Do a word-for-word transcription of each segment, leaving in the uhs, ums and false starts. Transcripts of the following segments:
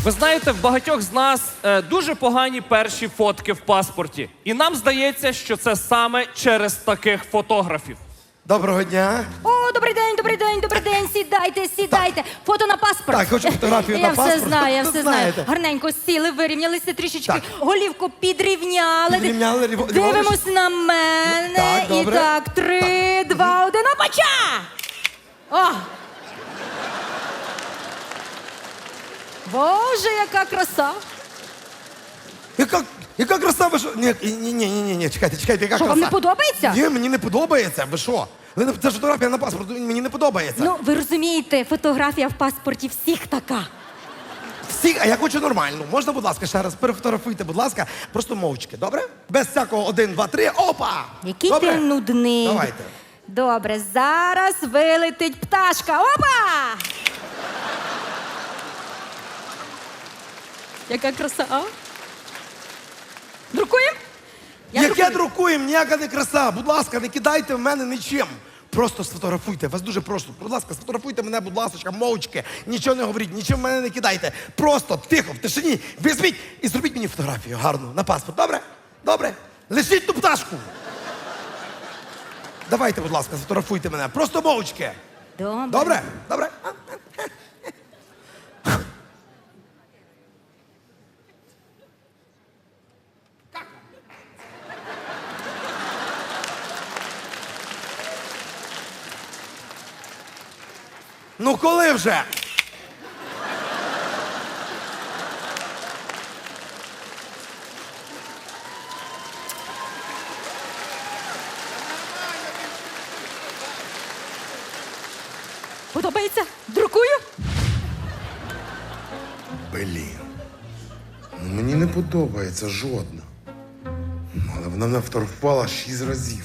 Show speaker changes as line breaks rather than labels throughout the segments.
Ви знаєте, в багатьох з нас е, дуже погані перші фотки в паспорті. І нам здається, що це саме через таких фотографів.
Доброго дня.
О, добрий день, добрий день, добрий день. Сідайте, сідайте. Фото на паспорт.
Так, хочу фотографію
я
на паспорт.
Я все знаю, я
Ви
все
знаєте.
знаю. Гарненько сіли, вирівнялися трішечки.
Так.
Голівку підрівняли.
Підрівняли, рів-
Дивимось на мене.
Так,
І
добре.
так, три, два, один, опача! О! Боже, яка краса!
Яка, яка краса, ви що? Ні, ні, ні, ні, ні, ні, чекайте, чекайте, яка
Що,
краса?
вам не подобається?
Ні, мені не подобається, ви що? Ви не- Це ж фотографія на паспорт, мені не подобається.
Ну, ви розумієте, фотографія в паспорті всіх така.
Всі, а я хочу нормальну. Можна, будь ласка, ще раз перефотографуйте, будь ласка, просто мовчки, добре? Без всякого один, два, три, опа!
Який
добре?
ти нудний.
Давайте.
Добре, зараз вилетить пташка. Опа! Яка краса, а? Друкуємо? Я
Яке
друкую.
друкуємо, ніяка не краса. Будь ласка, не кидайте в мене нічим. Просто сфотографуйте, вас дуже прошу. Будь ласка, сфотографуйте мене, будь ласка, мовчки. Нічого не говоріть, нічого в мене не кидайте. Просто, тихо, в тишині, візьміть і зробіть мені фотографію гарну на паспорт. Добре? Добре? Лишіть ту пташку. Давайте, будь ласка, сфотографуйте мене. Просто мовчки.
Добре.
Добре? Добре? Ну коли вже?
Подобається? Друкую?
Блін. Ну, мені не подобається жодна. Але вона мене вторгувала шість разів.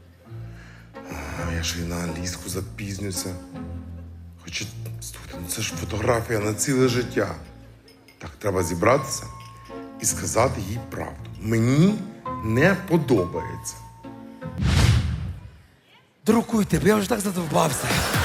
А, я ще й на англійську запізнюся. Хоча, слухайте, ну це ж фотографія на ціле життя. Так, треба зібратися і сказати їй правду. Мені не подобається.
Друкуйте, бо я вже так задовбався.